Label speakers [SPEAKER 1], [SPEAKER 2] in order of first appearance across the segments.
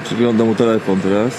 [SPEAKER 1] Przyglądam mu telefon teraz.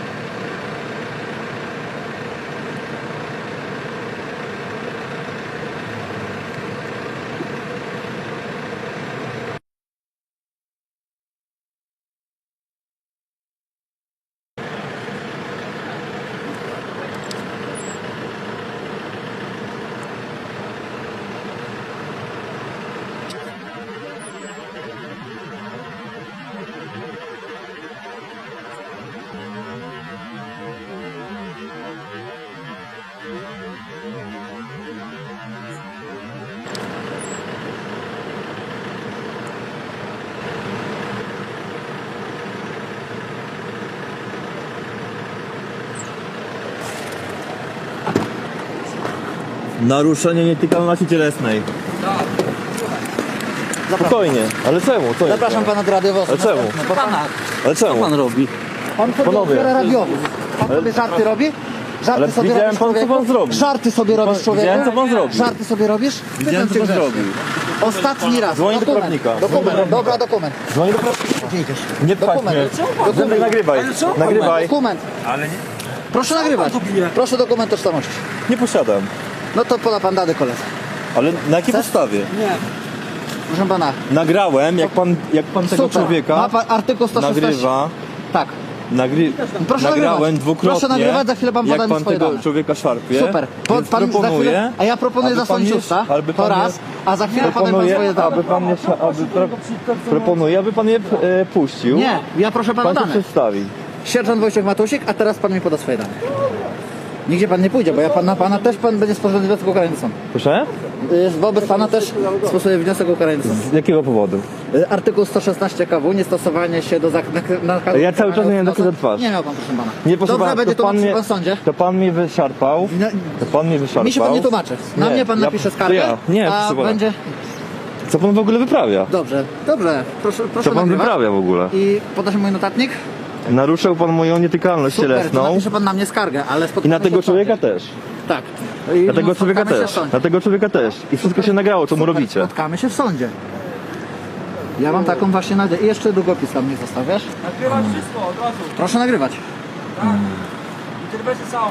[SPEAKER 1] Naruszenie nietykalności cielesnej. Spokojnie, ale czemu? Co
[SPEAKER 2] Zapraszam
[SPEAKER 1] jest?
[SPEAKER 2] pana do radiowozu.
[SPEAKER 1] Ale czemu?
[SPEAKER 2] No pana.
[SPEAKER 1] Ale czemu?
[SPEAKER 2] Co pan robi? Pan sobie
[SPEAKER 1] Panowie.
[SPEAKER 2] otwiera radiowóz. Pan sobie żarty robi? Żarty
[SPEAKER 1] Ale
[SPEAKER 2] sobie
[SPEAKER 1] widziałem
[SPEAKER 2] robisz,
[SPEAKER 1] pan, co
[SPEAKER 2] człowieku?
[SPEAKER 1] pan zrobił.
[SPEAKER 2] Żarty sobie robisz, człowieku?
[SPEAKER 1] Widziałem, co pan zrobił.
[SPEAKER 2] Żarty sobie robisz?
[SPEAKER 1] Widziałem, co
[SPEAKER 2] Pytam
[SPEAKER 1] pan
[SPEAKER 2] cię
[SPEAKER 1] zrobił.
[SPEAKER 2] Ostatni raz.
[SPEAKER 1] Dzwonię do
[SPEAKER 2] Dokument.
[SPEAKER 1] prawnika.
[SPEAKER 2] Dokument. Dobra, dokument.
[SPEAKER 1] Dzwonię do prawnika.
[SPEAKER 2] Gdzie idziesz?
[SPEAKER 1] Nie pchać
[SPEAKER 2] Dokument.
[SPEAKER 1] mnie. Zębek, nagrywaj. Nagrywaj.
[SPEAKER 2] Dokument.
[SPEAKER 3] Ale nie.
[SPEAKER 2] Proszę nagrywać. Proszę dokument tożsamości.
[SPEAKER 1] Nie posiadam.
[SPEAKER 2] No to poda pan dane koledze.
[SPEAKER 1] Ale na jakiej podstawie?
[SPEAKER 2] Nie. Proszę pana.
[SPEAKER 1] Nagrałem, jak pan tego
[SPEAKER 2] Super.
[SPEAKER 1] człowieka
[SPEAKER 2] Ma pan artykuł 116.
[SPEAKER 1] nagrywa.
[SPEAKER 2] Tak.
[SPEAKER 1] Nagrałem
[SPEAKER 2] Proszę nagrywać.
[SPEAKER 1] dwukrotnie.
[SPEAKER 2] Proszę nagrywać, za chwilę pan poda
[SPEAKER 1] jak
[SPEAKER 2] mi
[SPEAKER 1] pan
[SPEAKER 2] swoje
[SPEAKER 1] tego
[SPEAKER 2] dane.
[SPEAKER 1] człowieka szarpie.
[SPEAKER 2] Super.
[SPEAKER 1] Więc
[SPEAKER 2] Pan za
[SPEAKER 1] proponuję,
[SPEAKER 2] chwilę, a ja proponuję
[SPEAKER 1] aby
[SPEAKER 2] zasłonić
[SPEAKER 1] pan
[SPEAKER 2] usta.
[SPEAKER 1] aby
[SPEAKER 2] To
[SPEAKER 1] pan
[SPEAKER 2] raz, a za chwilę podam pan swoje
[SPEAKER 1] proponuję,
[SPEAKER 2] dane.
[SPEAKER 1] proponuję, aby pan je puścił.
[SPEAKER 2] Nie, ja proszę pana
[SPEAKER 1] Pan się
[SPEAKER 2] dane.
[SPEAKER 1] przedstawi.
[SPEAKER 2] Sierżant Wojciech Matusik, a teraz pan mi poda swoje dane. Nigdzie pan nie pójdzie, bo ja pana też pan będzie sporządzał wniosek o ukaranie sądu.
[SPEAKER 1] Proszę?
[SPEAKER 2] Wobec pana też stosuję wniosek o ukaranie sądu.
[SPEAKER 1] Z jakiego powodu?
[SPEAKER 2] Artykuł 116 KW, niestosowanie się do nakazu.
[SPEAKER 1] Ja cały czas nie wiem, do kogo twarz.
[SPEAKER 2] Nie miał pan, proszę pana.
[SPEAKER 1] Nie, proszę
[SPEAKER 2] Dobrze,
[SPEAKER 1] pana,
[SPEAKER 2] będzie
[SPEAKER 1] to pan
[SPEAKER 2] tłumaczył
[SPEAKER 1] mnie,
[SPEAKER 2] pan w sądzie.
[SPEAKER 1] to pan mnie wyszarpał.
[SPEAKER 2] No,
[SPEAKER 1] To pan mnie wyszarpał.
[SPEAKER 2] mi się pan nie tłumaczy. Na
[SPEAKER 1] Nie,
[SPEAKER 2] mnie pan
[SPEAKER 1] ja-
[SPEAKER 2] napisze
[SPEAKER 1] to
[SPEAKER 2] skargę,
[SPEAKER 1] ja. Nie,
[SPEAKER 2] a
[SPEAKER 1] proszę pana.
[SPEAKER 2] będzie...
[SPEAKER 1] Co pan w ogóle wyprawia?
[SPEAKER 2] Dobrze, proszę
[SPEAKER 1] Co pan
[SPEAKER 2] nagrywać.
[SPEAKER 1] wyprawia w ogóle?
[SPEAKER 2] I poda się mój notatnik?
[SPEAKER 1] Naruszył pan moją nietykalność
[SPEAKER 2] Super, to
[SPEAKER 1] cielesną.
[SPEAKER 2] napisze pan na mnie skargę, ale
[SPEAKER 1] I
[SPEAKER 2] spotkamy
[SPEAKER 1] na
[SPEAKER 2] się
[SPEAKER 1] tego
[SPEAKER 2] w
[SPEAKER 1] człowieka
[SPEAKER 2] sądzie.
[SPEAKER 1] też.
[SPEAKER 2] Tak.
[SPEAKER 1] Na tego człowieka
[SPEAKER 2] Spotkamy się
[SPEAKER 1] też.
[SPEAKER 2] w sądzie.
[SPEAKER 1] Na tego człowieka też. I wszystko się nagrało, co mu
[SPEAKER 2] Super,
[SPEAKER 1] robicie.
[SPEAKER 2] Spotkamy się w sądzie. Ja mam taką właśnie nadzieję. I jeszcze długopis tam nie zostawiasz?
[SPEAKER 3] Nagrywać wszystko od razu.
[SPEAKER 2] Proszę nagrywać.
[SPEAKER 3] Interwencję całą.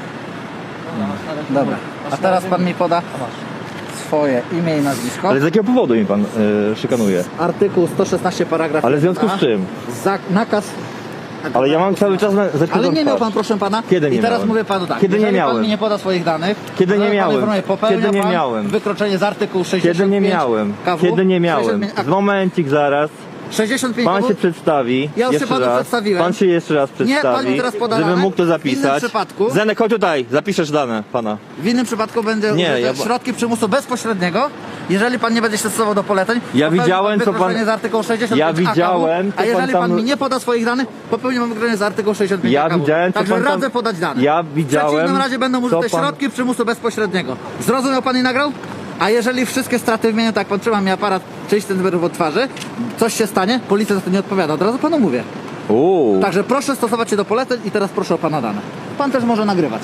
[SPEAKER 2] Dobra. A teraz pan mi poda swoje imię i nazwisko.
[SPEAKER 1] Ale z jakiego powodu mi pan szykanuje?
[SPEAKER 2] Artykuł 116 paragraf
[SPEAKER 1] Ale w związku
[SPEAKER 2] 1a.
[SPEAKER 1] z czym?
[SPEAKER 2] Nakaz.
[SPEAKER 1] Ale ja mam cały czas
[SPEAKER 2] Ale nie miał pan, proszę pana.
[SPEAKER 1] Kiedy nie
[SPEAKER 2] I teraz
[SPEAKER 1] miałem?
[SPEAKER 2] mówię panu tak.
[SPEAKER 1] Kiedy nie
[SPEAKER 2] jeżeli
[SPEAKER 1] miałem?
[SPEAKER 2] pan mi nie poda swoich danych.
[SPEAKER 1] Kiedy nie
[SPEAKER 2] to pan
[SPEAKER 1] miałem?
[SPEAKER 2] informuje, popełnia
[SPEAKER 1] Kiedy nie
[SPEAKER 2] pan
[SPEAKER 1] miałem?
[SPEAKER 2] Wykroczenie z artykułu 65
[SPEAKER 1] Kiedy nie miałem?
[SPEAKER 2] KW,
[SPEAKER 1] Kiedy nie miałem?
[SPEAKER 2] 65
[SPEAKER 1] Momencik zaraz.
[SPEAKER 2] 65
[SPEAKER 1] Pan
[SPEAKER 2] KW.
[SPEAKER 1] się przedstawi.
[SPEAKER 2] Ja już się
[SPEAKER 1] jeszcze
[SPEAKER 2] panu
[SPEAKER 1] raz.
[SPEAKER 2] przedstawiłem.
[SPEAKER 1] Pan się jeszcze raz
[SPEAKER 2] Nie,
[SPEAKER 1] przedstawi.
[SPEAKER 2] pan mi teraz poda
[SPEAKER 1] żebym
[SPEAKER 2] dane.
[SPEAKER 1] mógł to
[SPEAKER 2] W innym
[SPEAKER 1] zapisać.
[SPEAKER 2] przypadku-
[SPEAKER 1] Zenek, chodź tutaj, zapiszesz dane pana.
[SPEAKER 2] W innym przypadku będzie
[SPEAKER 1] Nie,
[SPEAKER 2] użyte
[SPEAKER 1] ja-
[SPEAKER 2] środki przymusu bezpośredniego, jeżeli pan nie będzie się stosował do poleceń.
[SPEAKER 1] Ja
[SPEAKER 2] popełni
[SPEAKER 1] widziałem, co pan-
[SPEAKER 2] wykroczenie z artykułu 65
[SPEAKER 1] Ja widziałem,
[SPEAKER 2] AKW,
[SPEAKER 1] co
[SPEAKER 2] a jeżeli
[SPEAKER 1] pan
[SPEAKER 2] pan
[SPEAKER 1] tam-
[SPEAKER 2] mi nie poda swoich danych, popełni pan wykroczenie z artykułu 65
[SPEAKER 1] Ja
[SPEAKER 2] AKW.
[SPEAKER 1] widziałem, co
[SPEAKER 2] Także
[SPEAKER 1] pan tam-
[SPEAKER 2] radzę podać dane.
[SPEAKER 1] Ja
[SPEAKER 2] W
[SPEAKER 1] widziałem,
[SPEAKER 2] przeciwnym razie będą
[SPEAKER 1] co
[SPEAKER 2] użyte
[SPEAKER 1] pan-
[SPEAKER 2] środki przymusu bezpośredniego. Zrozumiał pan i nagrał? A jeżeli wszystkie straty wymienię, tak pan trzyma mi aparat 30 cm od twarzy, coś się stanie, policja za to nie odpowiada. Od razu panu mówię. Także proszę stosować się do poleceń i teraz proszę o pana dane. Pan też może nagrywać.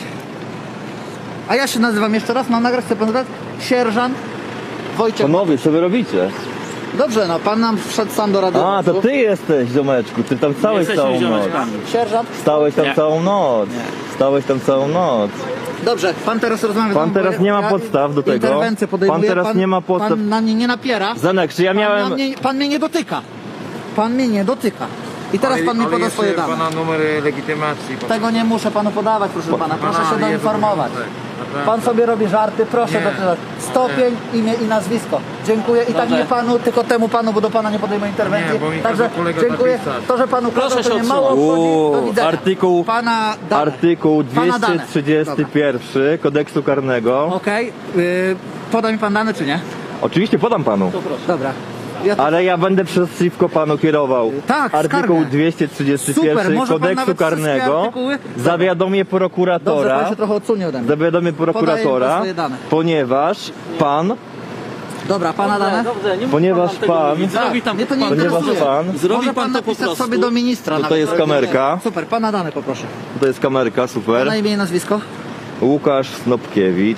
[SPEAKER 2] A ja się nazywam jeszcze raz, mam nagrać, chce pan dodać? Sierżant Wojciech.
[SPEAKER 1] Panowie, co wy robicie?
[SPEAKER 2] Dobrze, no pan nam wszedł sam do radiowozu.
[SPEAKER 1] A, to ty jesteś, ziomeczku. Ty tam stałeś całą noc.
[SPEAKER 2] Sierżant.
[SPEAKER 1] Stałeś tam całą noc. Stałeś tam całą noc.
[SPEAKER 2] Dobrze, pan teraz rozmawia.
[SPEAKER 1] Pan
[SPEAKER 2] bo
[SPEAKER 1] teraz nie ma podstaw do tego.
[SPEAKER 2] Interwencję podejmuje.
[SPEAKER 1] Pan teraz nie ma podstaw.
[SPEAKER 2] Pan na mnie nie napiera.
[SPEAKER 1] Zenek, czy ja miałem...
[SPEAKER 2] Pan mnie nie dotyka. Pan mnie nie dotyka. I teraz pan mi poda swoje dane.
[SPEAKER 3] pana numer legitymacji.
[SPEAKER 2] Tego nie muszę panu podawać, proszę pana. Proszę
[SPEAKER 3] Pana
[SPEAKER 2] się
[SPEAKER 3] nie
[SPEAKER 2] doinformować.
[SPEAKER 3] naprawdę.
[SPEAKER 2] Pan sobie robi żarty, proszę
[SPEAKER 3] Nie.
[SPEAKER 2] doczytać. Stopień, imię i nazwisko. Dziękuję. I tak nie panu, tylko temu panu, bo do pana nie podejmę interwencji.
[SPEAKER 3] Nie, bo mi
[SPEAKER 2] Także
[SPEAKER 3] każe kolega
[SPEAKER 2] dziękuję.
[SPEAKER 3] napisać.
[SPEAKER 2] To, że panu
[SPEAKER 4] Proszę
[SPEAKER 2] kazał, to
[SPEAKER 4] się
[SPEAKER 2] mnie mało obchodzi. Do widzenia. Pana dane.
[SPEAKER 1] Artykuł
[SPEAKER 2] Pana dane.
[SPEAKER 1] 231 kodeksu karnego.
[SPEAKER 2] Okej. Poda mi pan dane, czy nie?
[SPEAKER 1] Oczywiście podam panu.
[SPEAKER 2] Dobra. Ja
[SPEAKER 1] Ale ja będę przeciwko panu kierował.
[SPEAKER 2] Tak,
[SPEAKER 1] Artykuł
[SPEAKER 2] skargę.
[SPEAKER 1] 231
[SPEAKER 2] Super, może pan
[SPEAKER 1] kodeksu
[SPEAKER 2] nawet wszystkie
[SPEAKER 1] karnego.
[SPEAKER 2] artykuły?
[SPEAKER 1] Zawiadomię
[SPEAKER 2] Dobrze,
[SPEAKER 1] prokuratora.
[SPEAKER 2] pan się trochę odsunie ode mnie.
[SPEAKER 1] Zawiadomię
[SPEAKER 2] Podaję
[SPEAKER 1] prokuratora,
[SPEAKER 2] swoje dane.
[SPEAKER 1] ponieważ pan,
[SPEAKER 2] Dobra, pana dane?
[SPEAKER 4] Dobrze, nie
[SPEAKER 1] Ponieważ
[SPEAKER 4] musi pan nam tego
[SPEAKER 1] pan-
[SPEAKER 4] mówić. Zrobi tam
[SPEAKER 2] Mnie to nie
[SPEAKER 1] ponieważ
[SPEAKER 2] interesuje.
[SPEAKER 1] pan,
[SPEAKER 4] Zrobi
[SPEAKER 2] Może
[SPEAKER 4] pan to po
[SPEAKER 2] napisać
[SPEAKER 4] prostu.
[SPEAKER 2] sobie do ministra.
[SPEAKER 1] To
[SPEAKER 2] nawet.
[SPEAKER 1] jest kamerka.
[SPEAKER 2] Super, pana dane poproszę.
[SPEAKER 1] to jest kamerka, super.
[SPEAKER 2] Pana imię i nazwisko?
[SPEAKER 1] Łukasz Snopkiewicz.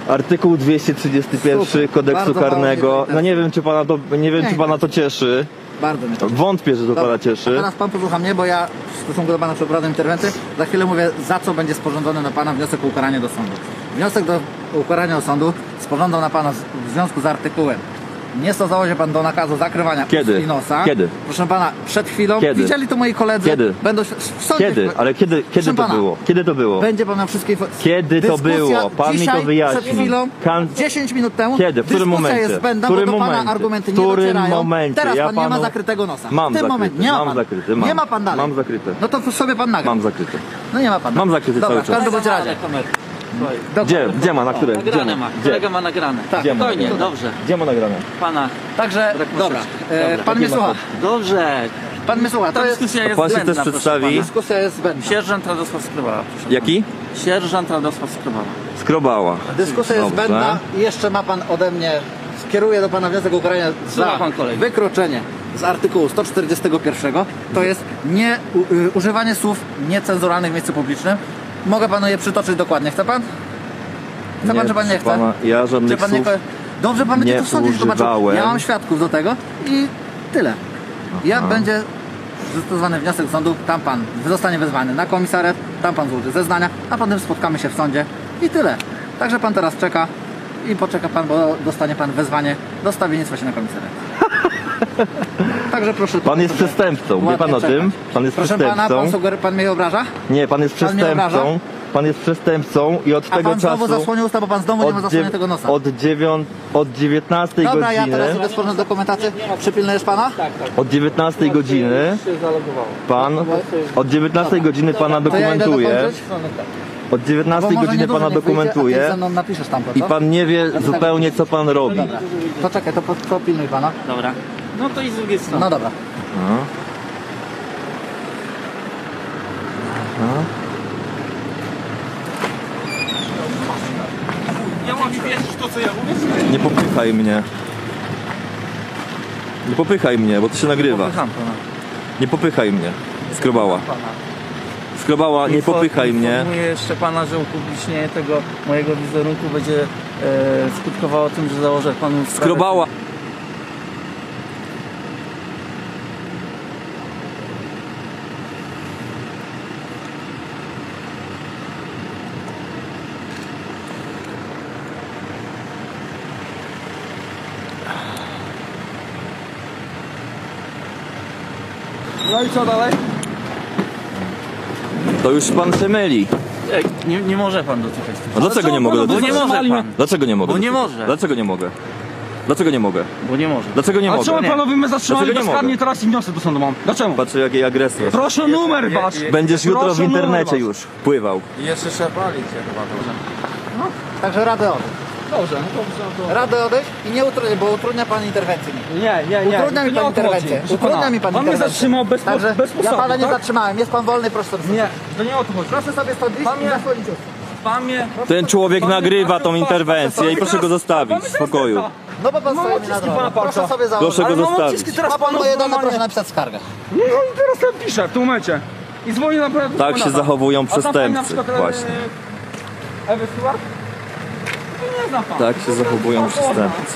[SPEAKER 1] Artykuł 231
[SPEAKER 2] Super,
[SPEAKER 1] kodeksu
[SPEAKER 2] bardzo mało
[SPEAKER 1] karnego.
[SPEAKER 2] mnie
[SPEAKER 1] No nie wiem, czy pana to, nie wiem, czy pana to cieszy.
[SPEAKER 2] Bardzo mnie to
[SPEAKER 1] Wątpię, że to pana
[SPEAKER 2] Dobra,
[SPEAKER 1] cieszy.
[SPEAKER 2] a teraz pan posłucha mnie, bo ja w stosunku do pana przeprowadzam interwencję. Za chwilę mówię, za co będzie sporządzony na pana wniosek o ukaranie do sądu. Wniosek do ukarania do sądu sporządzał na pana w związku z artykułem. Nie stosował się pan do nakazu zakrywania
[SPEAKER 1] Kiedy?
[SPEAKER 2] ust i nosa.
[SPEAKER 1] Kiedy?
[SPEAKER 2] Proszę pana, przed chwilą.
[SPEAKER 1] Kiedy?
[SPEAKER 2] Widzieli to moi koledzy.
[SPEAKER 1] Kiedy?
[SPEAKER 2] Będą w sądzie.
[SPEAKER 1] Kiedy? Ale kiedy
[SPEAKER 2] Proszę
[SPEAKER 1] to
[SPEAKER 2] pana,
[SPEAKER 1] było? Kiedy to było?
[SPEAKER 2] Będzie pan na wszystkie
[SPEAKER 1] Kiedy to było? Pan mi to
[SPEAKER 2] dzisiaj,
[SPEAKER 1] wyjaśni.
[SPEAKER 2] Przed chwilą,
[SPEAKER 1] Kan-
[SPEAKER 2] 10 minut temu.
[SPEAKER 1] Kiedy? W którym
[SPEAKER 2] dyskusja
[SPEAKER 1] momencie?
[SPEAKER 2] jest zbędna,
[SPEAKER 1] W którym
[SPEAKER 2] bo do pana
[SPEAKER 1] momencie?
[SPEAKER 2] argumenty
[SPEAKER 1] W
[SPEAKER 2] nie
[SPEAKER 1] którym
[SPEAKER 2] docierają.
[SPEAKER 1] momencie?
[SPEAKER 2] Teraz
[SPEAKER 1] Ja
[SPEAKER 2] pan nie ma
[SPEAKER 1] panu-
[SPEAKER 2] zakrytego nosa.
[SPEAKER 1] Mam
[SPEAKER 2] w tym
[SPEAKER 1] zakryty,
[SPEAKER 2] momencie nie ma
[SPEAKER 1] mam
[SPEAKER 2] pan.
[SPEAKER 1] zakryty, mam.
[SPEAKER 2] Nie ma pan dalej.
[SPEAKER 1] Mam zakryte.
[SPEAKER 2] No to sobie pan nagra.
[SPEAKER 1] Mam zakryte.
[SPEAKER 2] No nie ma pan.
[SPEAKER 1] Mam zakryty
[SPEAKER 2] Dobra,
[SPEAKER 1] cały
[SPEAKER 2] w
[SPEAKER 1] czas.
[SPEAKER 2] każdym bądź razie.
[SPEAKER 1] Gdzie ma? Na które? Gdzie
[SPEAKER 4] Nagrane
[SPEAKER 1] ma?
[SPEAKER 4] ma,
[SPEAKER 1] Gdzie?
[SPEAKER 4] kolega ma nagrane.
[SPEAKER 2] Tak.
[SPEAKER 1] Gdzie ma
[SPEAKER 4] Spokojnie,
[SPEAKER 1] nagrane?
[SPEAKER 4] dobrze.
[SPEAKER 1] Gdzie ma nagrane?
[SPEAKER 4] Pana.
[SPEAKER 2] Także, dobra. Pan mnie
[SPEAKER 1] Jakie ma
[SPEAKER 2] słucha.
[SPEAKER 4] Dobrze.
[SPEAKER 2] Pan mnie słucha. To
[SPEAKER 4] Ta
[SPEAKER 2] jest...
[SPEAKER 4] dyskusja jest
[SPEAKER 1] pan się
[SPEAKER 4] zbędna,
[SPEAKER 1] też
[SPEAKER 4] proszę
[SPEAKER 1] przedstawi?
[SPEAKER 4] pana.
[SPEAKER 2] Dyskusja jest zbędna.
[SPEAKER 4] Sierżant Radosław Skrobała, proszę
[SPEAKER 1] Jaki?
[SPEAKER 4] pana. Sierżant Radosław Skrobała.
[SPEAKER 1] Skrobała.
[SPEAKER 2] Dyskusja jest
[SPEAKER 1] Dobrze.
[SPEAKER 2] zbędna i jeszcze ma pan ode mnie, skieruję do pana wniosek o ukaranie
[SPEAKER 4] Słucha
[SPEAKER 2] za
[SPEAKER 4] pan kolegi.
[SPEAKER 2] wykroczenie z artykułu 141. To jest używanie słów niecenzuralnych w miejscu publicznym. Mogę panu je przytoczyć dokładnie. Chce pan? Chce pan, czy pan nie chce?
[SPEAKER 1] Pana, ja
[SPEAKER 2] Czy
[SPEAKER 1] żadnych
[SPEAKER 2] pan nie...
[SPEAKER 1] słów
[SPEAKER 2] Dobrze, pan będzie
[SPEAKER 1] nie
[SPEAKER 2] to w sądzie zobaczył.
[SPEAKER 1] używałem.
[SPEAKER 2] Ja mam świadków do tego i tyle. Jak będzie zastosowany wniosek do sądu, tam pan zostanie wezwany na komisariat, tam pan złoży zeznania, a potem spotkamy się w sądzie i tyle. Także pan teraz czeka i poczeka pan, bo dostanie pan wezwanie do stawiennictwa się na komisariat. Także proszę.
[SPEAKER 1] Pan jest przestępcą. Wie pan o
[SPEAKER 2] ładnie
[SPEAKER 1] tym?
[SPEAKER 2] czekać.
[SPEAKER 1] Pan jest
[SPEAKER 2] Proszę
[SPEAKER 1] przestępcą.
[SPEAKER 2] pana, pan mnie obraża?
[SPEAKER 1] Nie, pan jest
[SPEAKER 2] Pan mnie obraża?
[SPEAKER 1] przestępcą. Pan jest przestępcą i od
[SPEAKER 2] A
[SPEAKER 1] tego
[SPEAKER 2] pan znowu
[SPEAKER 1] czasu.
[SPEAKER 2] zasłonił usta, bo pan znowu nie ma zasłoniętego nosa.
[SPEAKER 1] Od 19
[SPEAKER 2] Dobra, ja
[SPEAKER 1] godziny.
[SPEAKER 2] teraz idę sporządzić dokumentację. Przypilnujesz pana?
[SPEAKER 1] Od 19 godziny pan. Od 19 godziny pana
[SPEAKER 2] To ja idę
[SPEAKER 1] dokumentuje.
[SPEAKER 2] dokończyć?
[SPEAKER 1] Od 19
[SPEAKER 2] Bo może
[SPEAKER 1] godziny
[SPEAKER 2] niedużo
[SPEAKER 1] pana
[SPEAKER 2] niech wyjdzie, a ty
[SPEAKER 1] dokumentuje.
[SPEAKER 2] ze mną napiszesz tam to,
[SPEAKER 1] I
[SPEAKER 2] co?
[SPEAKER 1] pan nie wie zupełnie co pan robi.
[SPEAKER 2] Dobra. To czekaj, to pilnuj pana.
[SPEAKER 4] Dobra. No to i z drugiej strony.
[SPEAKER 2] No dobra.
[SPEAKER 1] Aha. Aha.
[SPEAKER 4] Ja mam wierzyć w to, co ja mówię?
[SPEAKER 1] Nie popychaj mnie. Nie popychaj mnie, bo to się nagrywa.
[SPEAKER 4] Popycham pana.
[SPEAKER 1] Nie popychaj mnie. Skrobała. Skrobała, nie popychaj mnie.
[SPEAKER 4] Informuję jeszcze pana, że upublicznienie tego mojego wizerunku będzie skutkowało tym, że założę panu sprawę.
[SPEAKER 1] Skrobała.
[SPEAKER 4] No i co dalej?
[SPEAKER 1] To już pan się myli.
[SPEAKER 4] Nie może pan dotykać tych.
[SPEAKER 1] A dlaczego nie mogę
[SPEAKER 4] Bo
[SPEAKER 1] dotykać?
[SPEAKER 4] nie może pan.
[SPEAKER 1] Dlaczego nie mogę
[SPEAKER 4] Bo nie
[SPEAKER 1] dotykać?
[SPEAKER 4] może.
[SPEAKER 1] Dlaczego nie mogę? Dlaczego nie mogę?
[SPEAKER 4] Bo nie może.
[SPEAKER 1] Dlaczego nie
[SPEAKER 5] A
[SPEAKER 1] mogę?
[SPEAKER 5] czemu
[SPEAKER 4] Nie.
[SPEAKER 5] panowie mnie zatrzymali
[SPEAKER 1] Dlaczego nie
[SPEAKER 5] bezkarnie
[SPEAKER 1] mogę?
[SPEAKER 5] teraz i wniosek do sądu mam? Dlaczego?
[SPEAKER 1] Patrzę jakiej agresor.
[SPEAKER 5] Proszę numer wasz!
[SPEAKER 1] Będziesz jutro w
[SPEAKER 5] Proszę numer
[SPEAKER 1] internecie
[SPEAKER 5] wasz.
[SPEAKER 1] już pływał.
[SPEAKER 3] I jeszcze trzeba palić chyba dobrze.
[SPEAKER 2] Także radę odejść.
[SPEAKER 5] Dobrze, no dobrze.
[SPEAKER 2] Radę odejść i nie utrudnia, bo utrudnia pan interwencję mi.
[SPEAKER 5] Nie.
[SPEAKER 2] Utrudnia mi
[SPEAKER 5] to
[SPEAKER 2] pan
[SPEAKER 5] nie o to chodzi.
[SPEAKER 2] interwencję.
[SPEAKER 5] Proszę
[SPEAKER 2] Utrudnia
[SPEAKER 5] pana,
[SPEAKER 2] mi pan
[SPEAKER 5] Pan mnie
[SPEAKER 2] interwencję.
[SPEAKER 5] zatrzymał bez
[SPEAKER 2] Także
[SPEAKER 5] podstawy,
[SPEAKER 2] ja pana nie
[SPEAKER 5] tak?
[SPEAKER 2] zatrzymałem. Jest pan wolny, proszę sobie.
[SPEAKER 5] Nie, to nie o to chodzi.
[SPEAKER 2] Proszę sobie stąd iść
[SPEAKER 5] Pan
[SPEAKER 2] i
[SPEAKER 5] mnie-
[SPEAKER 2] zasłonić usta.
[SPEAKER 5] Pan mnie...
[SPEAKER 1] Ten człowiek nagrywa tą interwencję i proszę go zostawić w spokoju.
[SPEAKER 2] No bo pan
[SPEAKER 5] Mam
[SPEAKER 2] stoi mi na
[SPEAKER 5] odciski
[SPEAKER 2] drodze.
[SPEAKER 5] pana palca.
[SPEAKER 2] Proszę sobie założyć.
[SPEAKER 1] Proszę go
[SPEAKER 5] Ale mam
[SPEAKER 1] zostawić.
[SPEAKER 5] odciski teraz
[SPEAKER 2] Ma pan
[SPEAKER 5] panu
[SPEAKER 2] moje dane,
[SPEAKER 5] normalnie.
[SPEAKER 2] proszę napisać skargę.
[SPEAKER 5] No i teraz ja piszę w tym momencie. I dzwonię na pana
[SPEAKER 1] Tak się zachowują
[SPEAKER 5] A tam pani na
[SPEAKER 1] przestępcy.
[SPEAKER 5] przykład,
[SPEAKER 1] Właśnie.
[SPEAKER 5] Ewy Stewart? To nie znam pan.
[SPEAKER 1] Tak się zachowują przestępcy.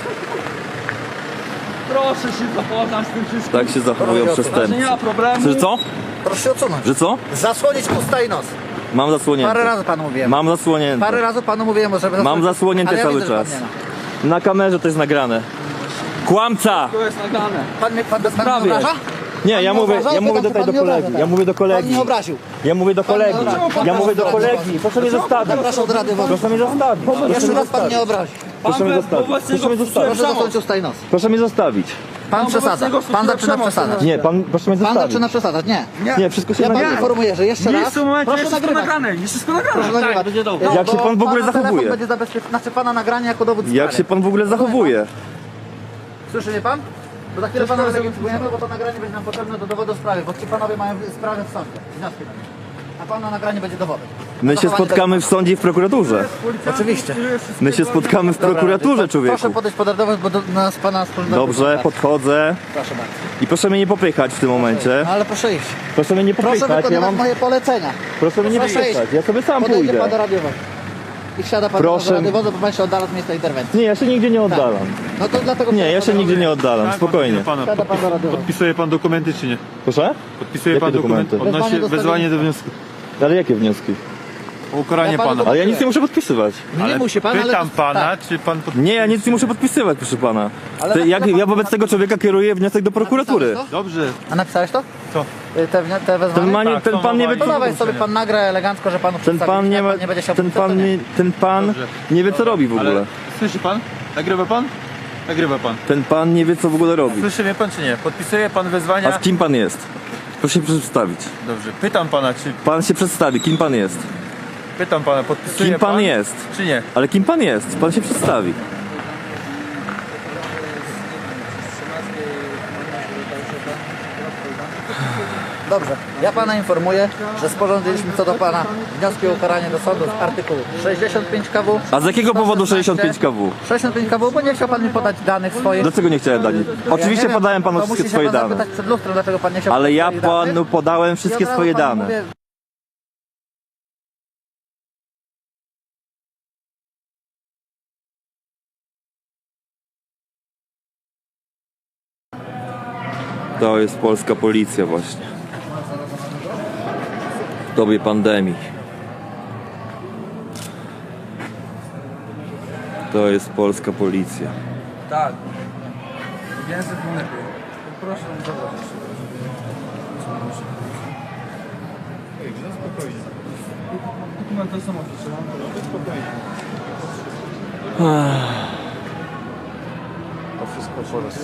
[SPEAKER 5] Proszę się zapoznać z tym wszystkim.
[SPEAKER 1] Tak się zachowują
[SPEAKER 5] Że nie
[SPEAKER 1] przestępcy.
[SPEAKER 5] ma problemu.
[SPEAKER 1] Że co?
[SPEAKER 2] Proszę się odsunąć.
[SPEAKER 1] Że co?
[SPEAKER 2] Zasłonić usta i nos.
[SPEAKER 1] Mam
[SPEAKER 2] Parę
[SPEAKER 1] zasłonięte.
[SPEAKER 2] razy panu mówiłem.
[SPEAKER 1] Mam zasłonięte.
[SPEAKER 2] Parę razy panu mówiłem, żeby
[SPEAKER 1] Mam zasłonięte
[SPEAKER 2] ale ja
[SPEAKER 1] cały
[SPEAKER 2] widzę, że pan
[SPEAKER 1] czas.
[SPEAKER 2] nie ma.
[SPEAKER 1] Na kamerze to jest nagrane. Kłamca!
[SPEAKER 5] To jest nagrane.
[SPEAKER 2] Pan bez
[SPEAKER 1] Prawie.
[SPEAKER 2] mnie obraża?
[SPEAKER 1] Nie,
[SPEAKER 2] Pan
[SPEAKER 1] ja
[SPEAKER 2] mnie
[SPEAKER 1] mówię,
[SPEAKER 2] obraża?
[SPEAKER 1] ja mówię
[SPEAKER 2] Pytam,
[SPEAKER 1] tutaj
[SPEAKER 2] czy
[SPEAKER 1] do
[SPEAKER 2] pan mnie
[SPEAKER 1] kolegi.
[SPEAKER 2] obraża?
[SPEAKER 1] Ja mówię do
[SPEAKER 2] Pan
[SPEAKER 1] kolegi.
[SPEAKER 2] mnie obraził.
[SPEAKER 1] Ja mówię do kolegi.
[SPEAKER 2] obraził.
[SPEAKER 1] Ja mówię do
[SPEAKER 2] Pan
[SPEAKER 1] kolegi. Proszę mnie zostawić.
[SPEAKER 2] Proszę od rady wolnej.
[SPEAKER 1] Proszę mnie zostawić.
[SPEAKER 2] Jeszcze raz pan mnie obrazi.
[SPEAKER 1] Proszę mnie zostawić. Proszę mnie zostawić.
[SPEAKER 2] Proszę zasłonić usta i nos.
[SPEAKER 1] Proszę mnie zostawić.
[SPEAKER 2] Pan przesadza.
[SPEAKER 5] obecnego
[SPEAKER 2] Pan zaczyna
[SPEAKER 5] przemoc.
[SPEAKER 2] przesadzać.
[SPEAKER 1] Nie, pan, proszę mnie
[SPEAKER 2] Pan
[SPEAKER 1] zostawić.
[SPEAKER 2] zaczyna przesadzać. Nie.
[SPEAKER 1] Nie, wszystko się
[SPEAKER 2] Ja pana
[SPEAKER 1] nagrywa.
[SPEAKER 2] informuję, że jeszcze
[SPEAKER 5] Nie
[SPEAKER 2] raz.
[SPEAKER 5] jest w tym momencie,
[SPEAKER 2] Proszę
[SPEAKER 5] jest wszystko
[SPEAKER 2] nagrywać.
[SPEAKER 5] nagrane. Jest wszystko nagrane.
[SPEAKER 2] Proszę nagrywać.
[SPEAKER 4] będzie dobrze.
[SPEAKER 1] Jak się
[SPEAKER 2] bo
[SPEAKER 1] pan w ogóle
[SPEAKER 2] pana telefon
[SPEAKER 1] zachowuje?
[SPEAKER 2] będzie zabezpieczony, znaczy pana nagranie jako dowód
[SPEAKER 1] Jak
[SPEAKER 2] sprawy.
[SPEAKER 1] się pan w ogóle zachowuje?
[SPEAKER 2] Słyszy mnie pan? Bo za chwilę pana wylegitymujemy, bo to nagranie będzie nam potrzebne do dowodu sprawy, bo ci panowie mają sprawę w sądzie. Wnioski na nie. A pana nagranie będzie dowodem.
[SPEAKER 1] My się spotkamy w sądzie i w prokuraturze.
[SPEAKER 2] Oczywiście.
[SPEAKER 1] My się spotkamy w prokuraturze,
[SPEAKER 2] Proszę
[SPEAKER 1] człowieku.
[SPEAKER 2] podejść pod radowę, bo do nas pana wspólnego.
[SPEAKER 1] Dobrze, podchodzę.
[SPEAKER 2] Proszę bardzo.
[SPEAKER 1] I proszę mnie nie popychać w tym momencie.
[SPEAKER 2] No ale proszę iść.
[SPEAKER 1] Proszę mnie nie
[SPEAKER 2] Proszę
[SPEAKER 1] popychać. Ja
[SPEAKER 2] wykonywać
[SPEAKER 1] mam...
[SPEAKER 2] moje polecenia.
[SPEAKER 1] Proszę mnie nie
[SPEAKER 2] Proszę
[SPEAKER 1] popychać.
[SPEAKER 2] iść.
[SPEAKER 1] Ja sobie sam
[SPEAKER 2] Podejdzie
[SPEAKER 1] pójdę.
[SPEAKER 2] pan do radiowej. i wsiada pan
[SPEAKER 1] Proszę.
[SPEAKER 2] do radiowozu, bo pan się oddala od miejsca interwencji.
[SPEAKER 1] Nie, ja się nigdzie nie oddalam.
[SPEAKER 2] No to dlatego...
[SPEAKER 1] Nie, ja się nigdzie nie oddalam, spokojnie.
[SPEAKER 2] Wsiada pan do radiowozu.
[SPEAKER 6] Podpisuje pan dokumenty czy nie?
[SPEAKER 1] Proszę?
[SPEAKER 6] Podpisuje
[SPEAKER 1] Jakie
[SPEAKER 6] pan dokumenty?
[SPEAKER 1] dokumenty?
[SPEAKER 6] Odnośnie
[SPEAKER 2] Wezwanie do
[SPEAKER 6] wezwanie do wniosku
[SPEAKER 1] Ale jakie wnioski?
[SPEAKER 6] o ukaranie
[SPEAKER 2] Ja panu
[SPEAKER 6] pana.
[SPEAKER 1] Ale ja nic nie muszę podpisywać.
[SPEAKER 2] Nie musi pan, ale...
[SPEAKER 6] Pytam pana,
[SPEAKER 2] Tak.
[SPEAKER 6] czy pan
[SPEAKER 1] Nie, ja nic nie muszę podpisywać, proszę pana.
[SPEAKER 2] Ale
[SPEAKER 1] Te, jak, ja wobec tego człowieka kieruję wniosek do prokuratury.
[SPEAKER 2] Napisałeś to?
[SPEAKER 6] Dobrze.
[SPEAKER 2] A napisałeś to?
[SPEAKER 6] Co?
[SPEAKER 2] Te wezwanie?
[SPEAKER 1] Ten pan nie wie,
[SPEAKER 2] To
[SPEAKER 1] co
[SPEAKER 2] dawaj sobie pan nagra elegancko, że panu
[SPEAKER 1] ten pan nie ma,
[SPEAKER 2] nie będzie chciał
[SPEAKER 1] ten pan
[SPEAKER 6] Dobrze.
[SPEAKER 1] nie wie co robi w ogóle.
[SPEAKER 6] Ale słyszy pan? Nagrywa pan? Nagrywa pan.
[SPEAKER 1] Ten pan nie wie co w ogóle robi.
[SPEAKER 6] Słyszy mnie pan czy nie? Podpisuje pan wezwania?
[SPEAKER 1] A z kim pan jest? Proszę się przedstawić.
[SPEAKER 6] Dobrze. Pytam pana, czy...
[SPEAKER 1] Pan się przedstawi, kim pan jest?
[SPEAKER 6] Pytam pana, podpisuje
[SPEAKER 1] Kim pan jest?
[SPEAKER 6] Czy nie?
[SPEAKER 1] Ale kim pan jest? Pan się przedstawi.
[SPEAKER 2] Dobrze, ja pana informuję, że sporządziliśmy co do pana wnioski o ukaranie do sądu z artykułu 65 KW.
[SPEAKER 1] A z jakiego powodu 65
[SPEAKER 2] 116,
[SPEAKER 1] kW?
[SPEAKER 2] 65 KW, bo nie chciał pan mi podać danych swoich.
[SPEAKER 1] Dlaczego nie chciałem dać? Oczywiście
[SPEAKER 2] Ja nie
[SPEAKER 1] podałem
[SPEAKER 2] wiem,
[SPEAKER 1] panu
[SPEAKER 2] to
[SPEAKER 1] wszystkie
[SPEAKER 2] musi się
[SPEAKER 1] swoje
[SPEAKER 2] pan
[SPEAKER 1] dane.
[SPEAKER 2] zapytać przed lustrem, dlaczego pan nie chciał
[SPEAKER 1] Ale
[SPEAKER 2] podać
[SPEAKER 1] ja
[SPEAKER 2] swoich danych.
[SPEAKER 1] panu podałem
[SPEAKER 2] I
[SPEAKER 1] wszystkie
[SPEAKER 2] od razu
[SPEAKER 1] swoje
[SPEAKER 2] panu
[SPEAKER 1] dane.
[SPEAKER 2] mówię,
[SPEAKER 1] To jest polska policja właśnie. W dobie pandemii. To jest polska policja.
[SPEAKER 5] Tak. Więcej to lepiej. Proszę zobaczyć. Dokumenty są oficjalne. Spokojnie.
[SPEAKER 3] To wszystko po raz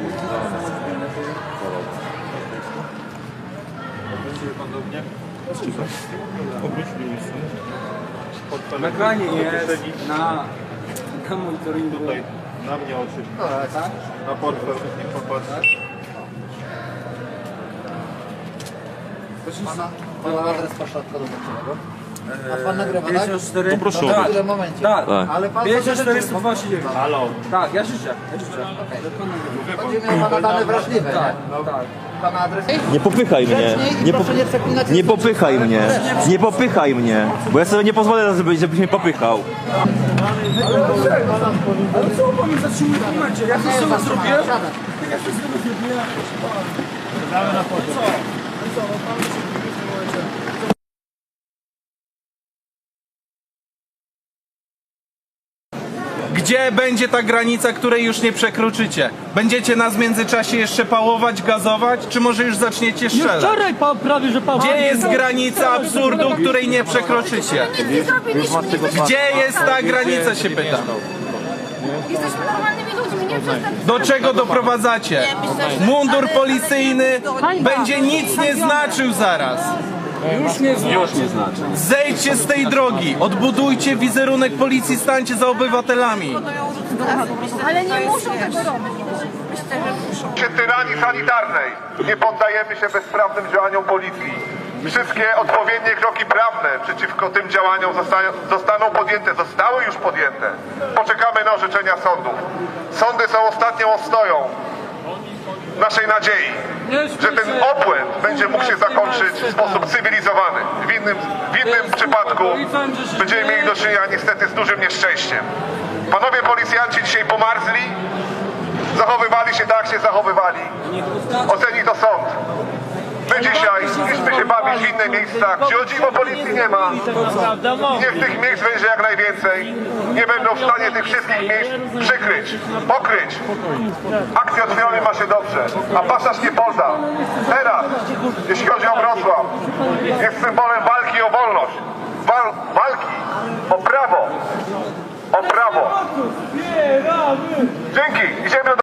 [SPEAKER 5] Nagranie jest na monitoringu.
[SPEAKER 6] Na mnie oczy.
[SPEAKER 2] tak?
[SPEAKER 6] Na portfel. Nie popatrz.
[SPEAKER 2] Pana adres pośrodka dodatkowego. A pan nagrywa, tak?
[SPEAKER 5] 54?
[SPEAKER 6] To proszę
[SPEAKER 5] Tak.
[SPEAKER 6] oddać.
[SPEAKER 2] W momencie.
[SPEAKER 5] Tak.
[SPEAKER 1] Tak.
[SPEAKER 2] Ale pan
[SPEAKER 5] 54 129.
[SPEAKER 6] Halo.
[SPEAKER 5] Tak, ja życzę. Ja życzę.
[SPEAKER 2] Chodzi mi o pana dane wrażliwe,
[SPEAKER 5] Tak,
[SPEAKER 2] nie?
[SPEAKER 5] tak.
[SPEAKER 2] Pana adres.
[SPEAKER 1] Nie popychaj mnie. Nie,
[SPEAKER 2] Proszę nie przeklinać.
[SPEAKER 1] nie popychaj mnie. Nie popychaj mnie. Bo ja sobie nie pozwolę, żebyś mnie popychał.
[SPEAKER 5] Ale co pan mnie zatrzymuje w momencie? Ja coś sobie zrobiłem?
[SPEAKER 7] Gdzie będzie ta granica, której już nie przekroczycie? Będziecie nas w międzyczasie jeszcze pałować, gazować, czy może już zaczniecie strzelać?
[SPEAKER 8] Wczoraj prawie, że pan...
[SPEAKER 7] Gdzie jest granica absurdu, której nie przekroczycie? Gdzie jest ta granica, się pytam?
[SPEAKER 9] Jesteśmy normalnymi ludźmi, nie przestępcami.
[SPEAKER 7] Do czego doprowadzacie? Mundur policyjny będzie nic nie znaczył zaraz.
[SPEAKER 5] Już nie znaczy.
[SPEAKER 7] Zejdźcie z tej drogi, odbudujcie wizerunek policji, stańcie za obywatelami.
[SPEAKER 9] Ale nie muszą tego robić. Myślę, że muszą.
[SPEAKER 10] Tyranii sanitarnej. Nie poddajemy się bezprawnym działaniom policji. Wszystkie odpowiednie kroki prawne przeciwko tym działaniom zostaną podjęte, zostały już podjęte. Poczekamy na orzeczenia sądów. Sądy są ostatnią ostoją naszej nadziei, że ten obłęd będzie mógł się zakończyć w sposób cywilizowany. W innym przypadku będziemy mieli do czynienia niestety z dużym nieszczęściem. Panowie policjanci dzisiaj pomarzli, zachowywali się tak, jak się zachowywali. Oceni to sąd. My dzisiaj idźmy się bawić w inne miejsca, gdzie o dziwo policji nie ma. Niech tych miejsc będzie jak najwięcej. Nie będą w stanie tych wszystkich miejsc przykryć, pokryć. Akcja odwiony ma się dobrze, a pasaż nie poda. Teraz, jeśli chodzi o Wrocław, jest symbolem walki o wolność. Walki o prawo. O prawo. Dzięki. Idziemy do